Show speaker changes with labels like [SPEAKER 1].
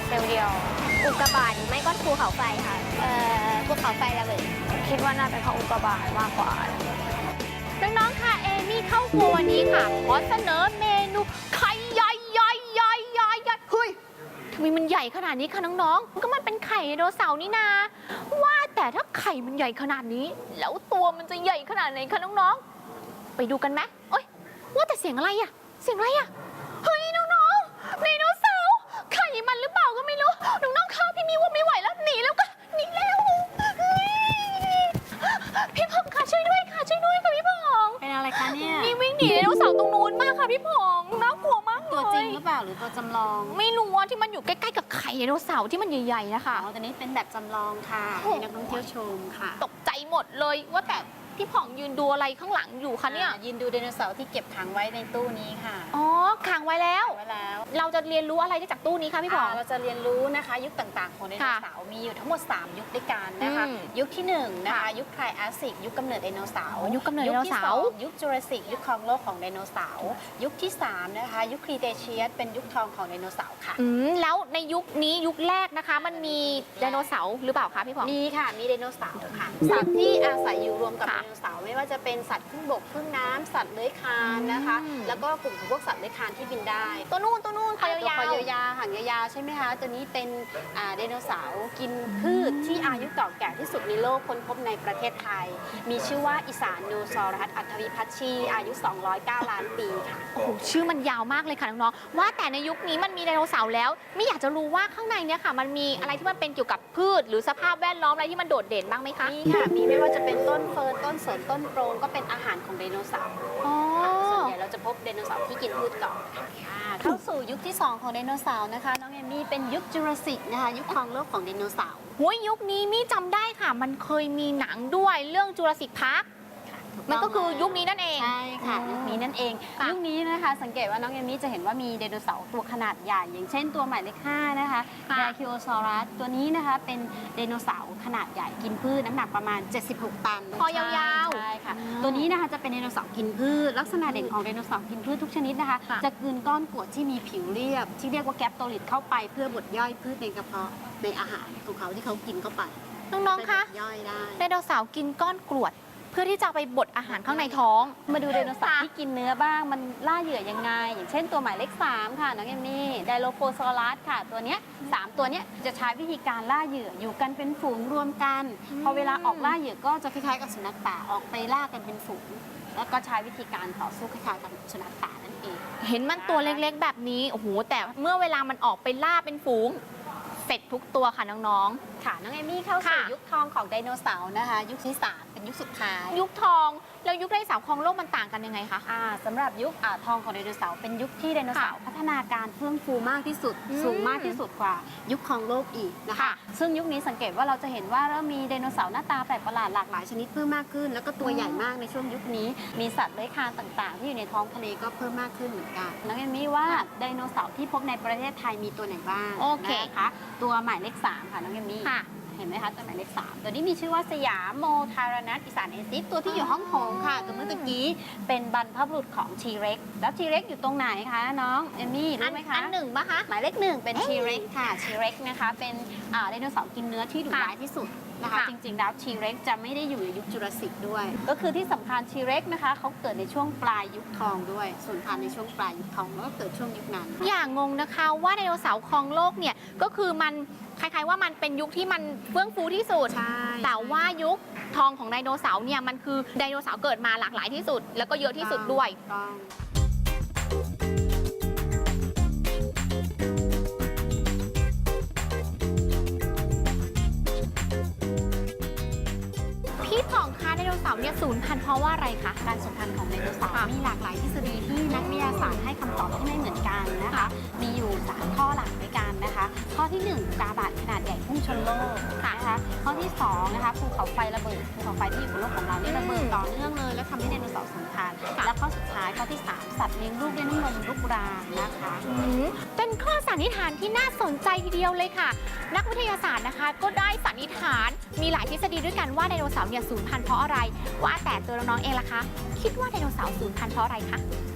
[SPEAKER 1] เดียวอุกกาบาตหรือไม่ก็ภูเขาไฟค่ะภูเขาไฟระเบิดคิดว่าน่าเป็นเพราะอุกกาบาตมากกว่า
[SPEAKER 2] น้องๆค่ะเอมี่เข้าครัววันนี้ค่ะขอเสนอเมนูไข่ใหญ่เฮ้ยทำไมมันใหญ่ขนาดนี้คะน้องๆก็มันเป็นไข่ไดโนเสาร์นี่นาว่าแต่ถ้าไข่มันใหญ่ขนาดนี้แล้วตัวมันจะใหญ่ขนาดไหนคะน้องๆไปดูกันไหมเอ้ยว่าแต่เสียงอะไรอะเสียงอะไรอะเฮ้ยน้องๆไดโนเสาร์ไข่มันหรือเปล่าก็ไม่รู้น้องๆค่ะพี่มีว่าไม่ไหวแล้วหนีแล้วก็หนีแล้วพี่พงค่ะช่วยด้วยค่ะพี่พง
[SPEAKER 3] เป็นอะไรคะเนี่ย
[SPEAKER 2] นี่วิ่งหนีไดโนเสาร์ตรงนู้นมากค่ะพี่พงน่ากลัวมากเลย
[SPEAKER 3] ตัวจริงหรือเปล่าหรือตัวจำลอง
[SPEAKER 2] ไม่รู้ว่าที่มันอยู่ใกล้ๆกับไข่ไดโนเสาร์ที่มันใหญ่ๆนะคะ
[SPEAKER 3] อ๋อตัวนี้เป็นแบบจำลองค่ะให้นักท่องเที่ยวชมค่ะ
[SPEAKER 2] ตกใจหมดเลยว่าแต่พี่ผ่องยืนดูอะไรข้างหลังอยู่คะเนี่ย
[SPEAKER 3] ยืนดูไดโนเสาร์ที่เก็บขังไว้ในตู้นี้ค่ะ
[SPEAKER 2] อ๋อขังไว้แล้ว เราจะเรียนรู้อะไรจากตู้นี้คะพี่ผ่อง
[SPEAKER 3] เราจะเรียนรู้นะคะยุคต่างๆของไดโนเสาร์มีอยู่ทั้งหมด3ยุคด้วยกันนะคะยุคที่1นะคะยุคไทรแอสซิกยุคกำเนิดไดโนเสาร์
[SPEAKER 2] ยุคกำเนิดไดโนเสาร์
[SPEAKER 3] ยุคจูราสสิกยุคครองโลกของไดโนเสาร์ยุคที่3นะคะยุคครีเทเชียสเป็นยุคทองของไดโนเสาร์ค่ะ
[SPEAKER 2] แล้วในยุคนี้ยุคแรกนะคะมันมีไดโนเสาร์หรือเปล่าคะพี่ผ่อง
[SPEAKER 3] มีค่ะมีไดโนเสาร์ค่ะสัตว์ที่อาศัยอยู่รวมกับไดโนเสาร์ไม่ว่าจะเป็นสัตว์ครึ่งบกครึ่งน้ำสัตว์เลื้อยคลานนะคะแล้วก็กลุ่มของพวกสัตว์เลื้อยคลานที่บินได้
[SPEAKER 2] ตัวนู่นคอยาว
[SPEAKER 3] หางยาวใช่ไหมคะตัวนี้เป็นไดโนเสาร์กินพืชที่อายุเก่าแก่ที่สุดในโลกค้นพบในประเทศไทยมีชื่อว่าอิสานโนซอรัสอัฐวิพัชชีอายุ209 ล้านปีค่ะ
[SPEAKER 2] โอ้โหชื่อมันยาวมากเลยค่ะน้องๆว่าแต่ในยุคนี้มันมีไดโนเสาร์แล้วไม่อยากจะรู้ว่าข้างในเนี่ยค่ะมันมีอะไรที่มันเป็นเกี่ยวกับพืชหรือสภาพแวดล้อมอะไรที่มันโดดเด่นบ้างไหมคะ
[SPEAKER 3] มีค่ะมีไม่ว่าจะเป็นต้นเฟิร์นต้นสนต้นโปรงก็เป็นอาหารของไดโนเสาร์ส่วนใหญ่เราจะพบไดโนเสาร์ที่กินพืชก่อนเข้าสู่ยุคที่2ของไดโนเสาร์นะคะน้องเอมี่เป็นยุคจูราสสิกนะคะยุคครองโลกของไดโนเสาร์
[SPEAKER 2] ยุคนี้มี่จำได้ค่ะมันเคยมีหนังด้วยเรื่องจูราสสิกพาร์คมันก็คือยุคนี้นั่นเอง
[SPEAKER 3] ใช่ค่ะยุคนี้นั่นเองยุคนี้นะคะสังเกตว่าน้องเอมี่จะเห็นว่ามีไดโนเสาร์ตัวขนาดใหญ่อย่างเช่นตัวหมายเลข5นะคะไดคิโอซอรัสตัวนี้นะคะเป็นไดโนเสาร์ขนาดใหญ่กินพืชน้ำหนักประมาณ76 ตัน
[SPEAKER 2] คอยาว
[SPEAKER 3] ๆใช่ค่ะตัวนี้นะคะจะเป็นไดโนเสาร์กินพืชลักษณะเด่นของไดโนเสาร์กินพืชทุกชนิดนะคะจะกลืนก้อนกรวดที่มีผิวเรียบที่เรียกว่าแกปโตลิดเข้าไปเพื่อบดย่อยพืชในกระเพาะในอาหารของเขาที่เขากินเข้าไป
[SPEAKER 2] น้องๆคะ
[SPEAKER 3] ย่อยได้
[SPEAKER 2] ไดโนเสาร์กินก้อนกรวดเพื่อที่จะไปบดอาหารข้างในท้อง
[SPEAKER 3] มาดูไดโนเสาร์ที่กินเนื้อบ้างมันล่าเหยื่อยังไงอย่างเช่นตัวหมายเลข3ค่ะน้องเอมมี่ไดโลโฟซอรัสค่ะตัวเนี้ย3ตัวเนี้ยจะใช้วิธีการล่าเหยื่ออยู่กันเป็นฝูงรวมกันพอเวลาออกล่าเหยื่อก็จะคล้ายๆกับสุนัขป่าออกไปล่ากันเป็นฝูงแล้วก็ใช้วิธีการต่อสู้คล้ายๆกับสุนัขป่านั่นเอง
[SPEAKER 2] เห็นมันตัวเล็กๆแบบนี้โอ้โหแต่เมื่อเวลามันออกไปล่าเป็นฝูงเสร็จทุกตัวค่ะน้อง
[SPEAKER 3] ๆค่ะน้องเอมี่เข้าสู่ยุคทองของไดโนเสาร์นะคะยุคที่3เป็นยุคสุดท้าย
[SPEAKER 2] ยุคทองแล้วยุคไดโนเสาร์ครองโลกมันต่างกันยังไงคะ
[SPEAKER 3] สำหรับยุคทองของไดโนเสาร์เป็นยุคที่ไดโนเสาร์พัฒนาการเฟื่องฟูมากที่สุดสูงมากที่สุดกว่ายุคครองโลกอีกนะคะซึ่งยุคนี้สังเกตว่าเราจะเห็นว่าเริ่มมีไดโนเสาร์หน้าตาแปลกประหลาดหลากหลายชนิดเพิ่มมากขึ้นแล้วก็ตัวใหญ่มากในช่วงยุคนี้มีสัตว์เลื้อยคลานต่างๆที่อยู่ในท้องทะเลก็เพิ่มมากขึ้นเหมือนกันน้องเอมี่ว่าไดโนเสาร์ที่พบในประเทศไทยมีตัวไหนบ้างนะคะตัวหมายเลข3ค่ะน้องเอมี่เห็นไหมคะตัวหมายเลข3ตัวนี้มีชื่อว่าสยามโมทารานัสอิสานเอซิสตัวที่อยู่ห้องโถงค่ะตัวเมื่อกี้เป็นบรรพบุรุษของทีเร็กแล้วทีเร็กอยู่ตรงไหนคะน้องเอมี่รู้ไหมคะ
[SPEAKER 2] อัน1ปะคะ
[SPEAKER 3] หมายเลข1เป็นทีเร็กค่ะทีเร็กนะคะเป็นไดโนเสาร์กินเนื้อที่ดุร้ายที่สุดนะคะจริงๆแล้วทีเร็กจะไม่ได้อยู่ในยุคจูราสสิกด้วยก็คือที่สำคัญทีเร็กนะคะเขาเกิดในช่วงปลายยุคทองด้วยสูญพันธุ์ในช่วงปลายยุคทองแล้วก็เกิดช่วงยุคนั้น
[SPEAKER 2] อย่างงงนะคะว่าไดโนเสาร์ครองโลกเนี่ยก็คือมันคล้ายๆว่ามันเป็นยุคที่มันเฟื่องฟูที่สุดแต่ว่ายุคทองของไดโนเสาร์เนี่ยมันคือไดโนเสาร์เกิดมาหลากหลายที่สุดแล้วก็เยอะที่สุดด้วยพี่ผ่องคะไดโนเสาร์เนี่ยสูญพันธุ์เพราะว่าอะไรคะ
[SPEAKER 3] การสูญพันธุ์ของไดโนเสาร์มีหลากหลายทฤษฎีที่นักวิทยาศาสตร์ให้คำตอบที่ไม่เหมือนกันนะคะมีอยู่3ข้อหลักด้วยกันนะคะข้อที่1อุกกาบาตขนาดใหญ่พุ่งชนโลกนะคะข้อที่2นะคะภูเขาไฟระเบิดภูเขาไฟที่อยู่บนโลกของเราเนี่ยระเบิดต่อเนื่องเลยแล้วทำให้ไดโนเสาร์สูญพันธุ์และข้อสุดท้ายข้อที่3สัตว์เลี้ยงลูกด้วยน้ำนมลูกรางนะคะ
[SPEAKER 2] เป็นข้อสันนิษฐานที่น่าสนใจทีเดียวเลยค่ะนักวิทยาศาสตร์นะคะก็ได้สันนิษฐานมีหลายทฤษฎีด้วยกันว่าไดโนเสาร์เนี่ยสูญพันธุ์เพราะอะไรว่าแต่ตัวน้องๆเองล่ะคะคิดว่าไดโนเสาร์สูญพันธุ์เพราะอะไรคะ